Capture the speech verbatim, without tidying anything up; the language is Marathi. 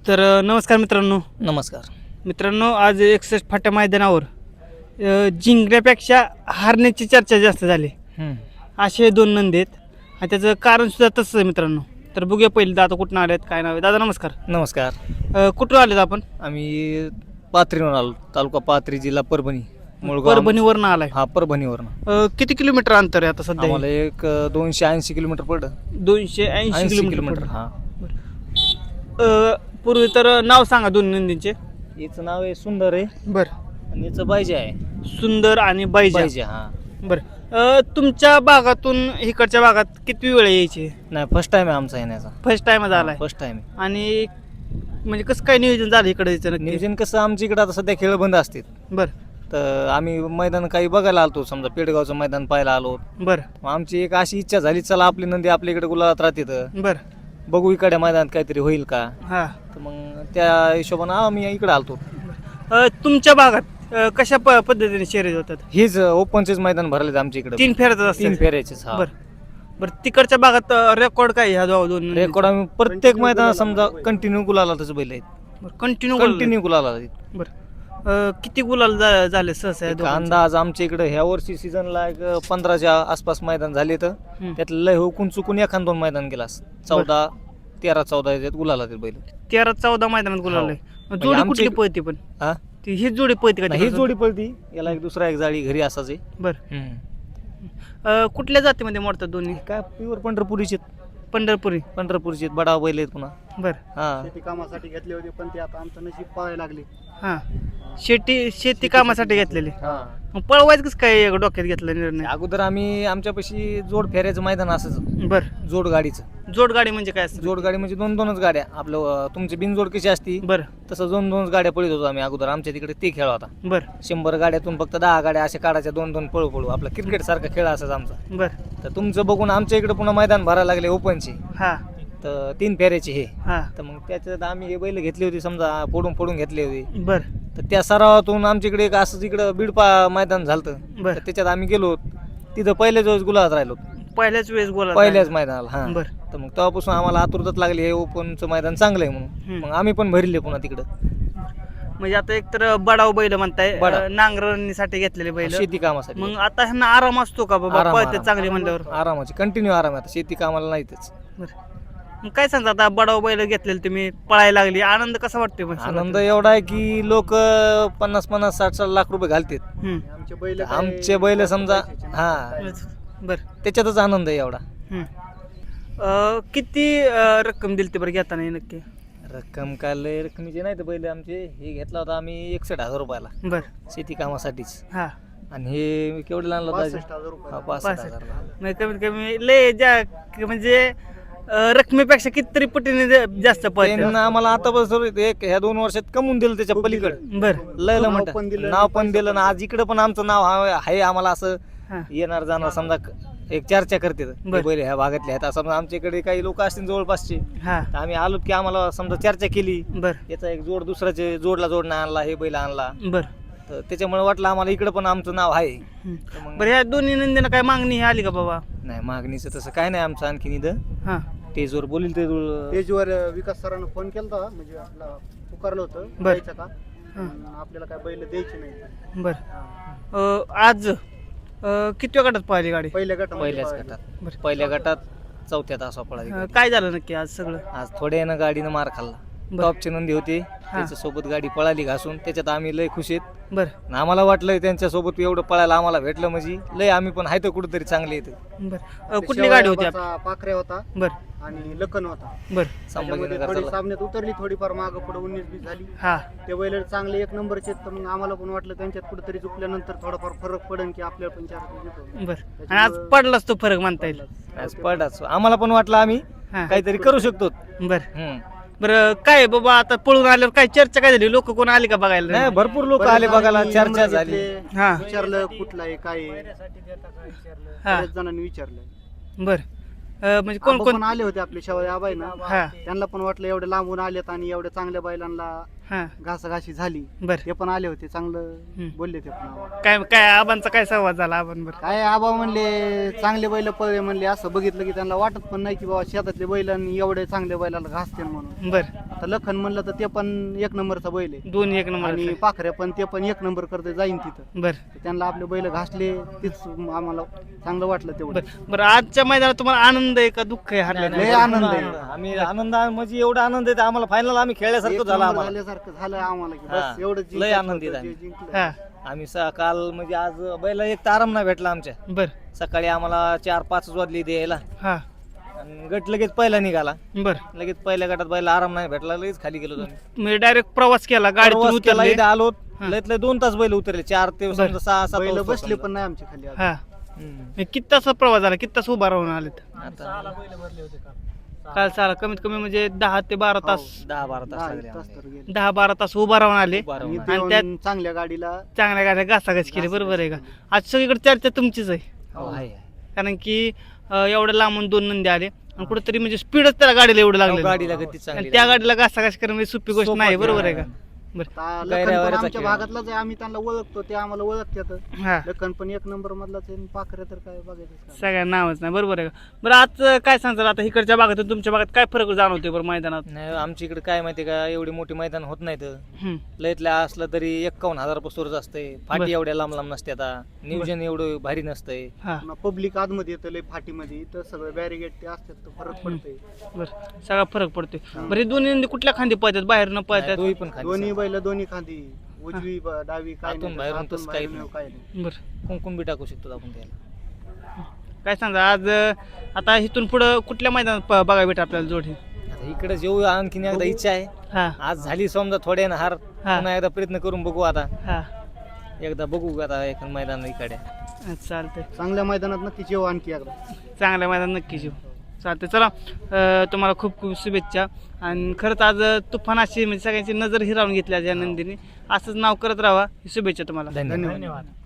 तर अ, नमस्कार मित्रांनो नमस्कार. मित्रांनो आज एकसष्ट फाट्या मैदानावर अ, जिंकण्यापेक्षा हारण्याची चर्चा जास्त झाली. हम्म. असे दोन नंदी आहेत आणि त्याचं कारण सुद्धा तसंच आहे मित्रांनो. तर बघूया पहिले दादा कुठून आले आहेत काय नाव आहे दादा नमस्कार. नमस्कार. अ, कुठून आलेत आपण? आम्ही पाथरीवरून आलो, तालुका पाथरी, जिल्हा परभणी, मुळगाव. परभणीवरनं आलाय. हा, परभणीवरून. अ, किती किलोमीटर अंतर आहे आता सध्या? आम्हाला एक अ, दोनशे ऐंशी किलोमीटर पडलं. दोनशे ऐंशी ऐंशी किलोमीटर किलोमीटर. पडलं. हा. अ, पूर्वी तर नाव सांगा दोन नंदींचे. याचं नाव आहे सुंदर आहे बरं. आणि याचं बायजे आहे. सुंदर आणि बाईजा. बायजे. हा. बरं. अ, तुमच्या भागातून इकडच्या भागात किती वेळ यायची? नाही, फर्स्ट टाइम आहे आमचा येण्याचा. फर्स्ट टाइमच आलाय. First time. आणि म्हणजे कसं काय नियोजन झालं इकडे यायचं नक्की? नियोजन कसं, आमच्या इकडे आता सध्या खेळ बंद असतात, बरं तर आम्ही मैदान काही बघायला आलतो. समजा पेडगावचं मैदान पाहायला आलो. बरं मग आमची एक अशी इच्छा झाली, चला आपली नंदी आपल्या इकडे गुलाबात राहते, तर बरं. बघू इकडे मैदानात काहीतरी होईल का. हां. तर मग त्या हिशोबानं आम्ही इकडे आलतो. अ, तुमच्या भागात अ, कशा प पद्धतीने शर्यत होतात? हेच ओपनचेच मैदान भरलेत आमच्या इकडे. तीन फेऱ्याच असतात. तीन फेऱ्याचेच. हा. बरं बरं. तिकडच्या भागात रेकॉर्ड काय ह्या दोन दोन रेकॉर्ड आम्ही प्रत्येक मैदान समजा कंटिन्यू गुलाला तसं बैल आहेत. कंटिन्यू कंटिन्यू गुलाला आहेत. बरं. अ, किती गुलाल झा- झाले सहसा या एक दोघांचे? अंदाज आमच्या इकडे ह्या वर्षी सीझनला एक पंधराच्या आसपास मैदान झाले, तर हं. त्यातलं लय हुकून चुकून एखाद दोन मैदान गेला. चौदा तेरा चौदा याच्यात गुलाला ते बैल. तेरा चौदा मैदानात गुलाल आहे. म्हणजे जोडी आमच्या कुठली इकडे- पळती पण? हा, ती हीच जोडी पळती का? ही तिकडचं? जोडी पळती. याला एक दुसरा एक जाळी घरी असायचे. बरं. अ, कुठल्या जातीमध्ये मोडतात दोन्ही? काय प्युअर पंढरपुरीचे. पंढरपुरी. पंढरपूरचे बडा बैल आहेत पुन्हा. बरं. हा. शेती कामासाठी घेतले होते, पण ते आता आमचं नशीब पळायला लागले. हां. शेती शेती कामासाठी घेतलेली. हा. मग पळवायचं कसं काय डोक्यात घेतला निर्णय? अगोदर आम्ही आमच्यापाशी जोड फेऱ्याचं मैदान असायचं, बरं. जोड गाडीचं. जोडगाडी म्हणजे काय असतं? जोड गाडी म्हणजे दोन दोनच गाड्या. आपलं अं, तुमची बिनजोड कशी असती बरं तसं दोन दोनच गाड्या पळत होतो आम्ही अगोदर. आमच्या तिकडे ते खेळ होता. बरं शंभर गाड्यातून फक्त दहा गाड्या अशा काढायच्या, दोन दोन पळू पळू. आपला क्रिकेट सारखा खेळ असायचा आमचा. बरं. तर तुमचं बघून आमच्या इकडे पुन्हा मैदान भरायला लागले ओपनचे, हां तर तीन फेऱ्याचे हे. हां. तर मग त्याच्यात आम्ही हे बैल घेतले होते, समजा फोडून फोडून घेतले होते. बरं तर त्या सरावातून आमच्याकडे एक असंच इकडं बीडपा मैदान झालं. बरं. तर त्याच्यात आम्ही गेलो, तिथं पहिल्याच वेळेस गुलाबात राहिलो. पहिल्याच वेळेस बोला. पहिल्याच मैदानाला. हा. बरं. तर मग तेव्हापासून आम्हाला आतुरताच लागली, हे ओपनचं मैदान चांगलं आहे म्हणून. हम्म. मग आम्ही पण भरले पुन्हा तिकडं. म्हणजे आता एक तर बडाव बैल म्हणताय, बडाव. अ, नांगरणीसाठी घेतलेले बैल. शेती कामासाठी. मग आता ह्यांना आराम असतो का बाबा आराम- पळते आराम. चांगली म्हणल्यावर? आरामाची कंटिन्यू आराम आहे. आता शेती कामाला नाहीतच. बरं. मग काय सांगता आता बडाव बैल घेतलेले तुम्ही, पळायला लागली, आनंद कसा वाटतोय मग? आनंद एवढा आहे की लोक पन्नास पन्नास साठ साठ लाख रुपये घालतात. हम्म. आमचे बैल आमचे बैल समजा. हा, बरं. त्याच्यातच आनंद आहे एवढा. हम्म. अ, किती अ, रक्कम दिली बरं घेताना हे नक्की? रक्कम काय लय रकमेचे नाही तर बैल आमचे. हे घेतला होता आम्ही एकसठ हजार रुपयाला बरं. शेती कामासाठीच. हां. आणि हे केवढे आणलं होतं? पासष्ट हजार रुपये. हा, पासष्ट पासष्ट. हजार. म्हणजे कमीत कमी लय ज्या म्हणजे अ, रकमेपेक्षा कितीतरी पटीने जा- जास्त पळते. त्यांना आम्हाला आतापासून एक ह्या दोन वर्षात कमवून दिलं त्याच्या पलीकडे. बरं. लय नाव म्हणतात पण दिलं, नाव पण दिलं ना. आज इकडे पण आमचं नाव आहे आहे आम्हाला असं हां. येणार जाणार समजा एक चर्चा करते बरं. बैल ह्या भागातले आहेत. असं समजा आमच्याकडे काही लोक असतील जवळपासचे, हां. तर आम्ही आलो की आम्हाला समजा चर्चा केली, बरं याचा एक जोड दुसऱ्याचे जोडला जोडणं आणला, हे बैल आणला, बरं. तर त्याच्यामुळे वाटलं आम्हाला इकडे पण आमचं नाव आहे. हम्म. तर मग बरं ह्या दोन्ही नंदीनं काय मागणी आली का बाबा? नाही, मागणीचं तसं काय नाही आमचं. आणखीन इथं हां. स्टेजवर बोलील ते जुळ- पेजवर विकास सरांना फोन केला होता, म्हणजे आपला पुकारलं होतं बरं. द्यायचं का, हां. पण आपल्याला काय बैल द्यायची नाही. बरं. अ, आज अ, किती गटात पाहिली गाडी? पहिल्या गटामध्ये पहिल्याच पळाली. गटात. बरं. पहिल्या गटात चौथ्या तासा पळाली अ, गाडी. काय झालं नक्की आज सगळं? आज थोड्यानं गाडीनं मार खाल्ला. बरं. टॉपची नंदी होती, त्याच्यासोबत गाडी पळाली घासून. त्याच्यात आम्ही लय खुश आहेत. बरं आणि आम्हाला वाटलं त्यांच्यासोबत एवढं पळायला आम्हाला भेटलं म्हणजे लय आम्ही पण आहे तर कुठेतरी चांगले येते. बरं. अ, कुठली गाडी होती आप- शेवयाबाचा पाखऱ्या होता बरं आणि लखन होता. बरं. त्याच्यामध्ये थोडी संभाजीनगर सामन्यात उतरली, थोडीफार मागं पुढे उन्नीस बीस झाली. हां. ते बैल चांगले एक नंबरचे आहेत, तर मग आम्हाला पण वाटलं त्यांच्यात कुठेतरी चुकल्यानंतर थोडाफार फरक पडेल की आपल्याला पण चार गुण येतो. बरं. आणि आज पडलाच तो फरक म्हणता येईल. आज पळाच आम्हाला पण वाटलं आम्ही हां. काहीतरी करू शकतो. बरं हम्म. बरं. काय बाबा आता पळून आल्यावर काय चर्चा काय झाली? लोक कोण आली का बघायला? नाही, भरपूर लोक बरेच आले बघायला, जणांनी चर्चा नंबर झाली. घेतले, हां. विचारलं कुठला आहे काय आहे. हां. बरेच जणांनी विचारलं. बरं. अ, म्हणजे कोण आबा कोण? पण आले होते आपले शेवया आबाई ना, हां. त्यांना पण वाटलं एवढे लांबून आलेत आणि एवढ्या चांगल्या बैलांना हा घासाघाशी झाली बर ते पण आले होते चांगलं हम्म. बोलले ते पण आम्हाला. काय काय आबांचा काय संवाद झाला आबांवर? काय आबा म्हणले चांगले बैल पळले म्हणले, असं बघितलं की त्यांना वाटत पण नाही की बाबा शेतातले बैल आणि एवढे चांगले बैलाला घासते म्हणून. बर आता लखन म्हणलं तर ते पण एक नंबरचा बैल आहे दोन एक नंबर आणि पाखऱ्या पण ते पण एक नंबर करते जाईन तिथं. बर तर त्यांना आपले बैल घासले तीच आम्हाला चांगलं वाटलं तेवढं. बर बरं आजच्या मैदानात तुम्हाला आनंद आहे का दुःख आहे नाही, हरल्या लय नाही, आनंद भरपूर आहे. आम्ही आनंद म्हणजे एवढा आनंद आहे आम्हाला फायनल आम्ही खेळल्यासारखं एक झालं नंबर आम्हाला. झाल्यासारखं झालं आम्हाला की हा. बस एवढं लय जिंकायचं आनंदित होतं, आहे. जे जिंकलं. हा आम्ही स- काल म्हणजे आज बैला एक तर आराम नाही भेटला आमच्या. बर सकाळी आम्हाला चार पाच वाजली द्यायला हा आणि गट लगेच पहिला निघाला. बर लगेच पहिल्या गटात बैला आराम नाही भेटला, लगेच खाली गेलो आम्ही. म्हणजे डायरेक्ट प्रवास केला गाडीतून प्रवास केला, उतरले इथं आलो हा. लयत लय दोन तास बैल उतरले, चार ते बरं. समजा सहा सात बैल वाजता बसले समजा. पण नाही आमच्या खाली आज. हा हम्म. म्हणजे किती तास प्रवास झाला किती तास उभा राहून आलेत आता काल चाला कमीत कमी म्हणजे दहा ते बारा तास दहा बारा तास दहा लागले एक तास आम्हाला. तर गेले. दहा बारा तास उभा राहून आले उभा राहून आणि आले. ते आणि त्यात- येऊन चांगल्या गाडीला चांगल्या गाड्या घासाघास केली बरोबर आहे का? आज सगळीकडे चर्चा तुमचीच आहे हो, आहे, आहे. कारण की अं, एवढ्या लांबून दोन नंदी आले आणि कुठेतरी म्हणजे स्पीडच त्याला गाडीला एवढं हो, लागलं गाडीला गती चांगली आणि त्या लागली. गाडीला घासाघास करणं म्हणजे सोपी गोष्ट सोपं नाही नाही. बरोबर आहे का? बरं आता लखन गैऱ्यावरचा पण आमच्या खेळ. भागातलाच आहे, आम्ही त्यांना ओळखतो ते आम्हाला ओळखतात. हा लखन पण एक नंबर मधलाच आहे आणि पाखरे तर काय बघायचं सगळ्या नावच नाही बरोबर आहे का? बरं आज काय सांगतात आता इकडच्या भागातून तुमच्या भागात काय फरक जाणवतोय बरं मैदानात? नाही आमच्या इकडे काय माहितीये का, एवढी मोठी मैदान होत नाहीत. हम्म. लयतल्या असलं तरी एक्कावन्न हजार पासूनच असतंय. बरं. फाटी एवढ्या लांब लांब नसते, आता नियोजन एवढं भारी नसतंय. हा पब्लिक आतमध्ये येतं लय फाटीमध्ये, इथं सगळं बॅरिगेट ते असतात तर फरक पडतंय. बरं सगळा फरक पडतोय. बरं हे दोन्ही नंदी कुठल्या खांदी पळतात बाहेर न पळतात? दोन्ही पण खाली दोन्ही बैल दोन्ही खांदी, उजवी ब- डावी काय आतून नाही, बाहेरून आतून तसं काही बाहेरून नाही. काय नाही. बरं कुंकुम बी टाकू शकतो आपण त्याला. काय सांगा आज अं, आता इथून पुढं कुठल्या मैदानात प- बघायला भेट आपल्याला जोडी? आता इकडे जेऊ आणखीन एकदा इच्छा आहे. हा आज झाली समजा थोड्या ना हार, हा. पुन्हा एकदा प्रयत्न करून बघू. आता हा एकदा बघू आता एक मैदान इकडे. चालतंय चांगल्या मैदानात नक्की जेव आणखी एकदा. चांगल्या मैदान नक्की येऊ. चालतंय चला अं, तुम्हाला खूप खूप शुभेच्छा. आणि खरंच आज तुफान अशी म्हणजे सगळ्यांची नजर हिरावून घेतली आज या नंदीने. असंच नाव करत राहा. शुभेच्छा तुम्हाला. धन्यवाद. धन्यवाद.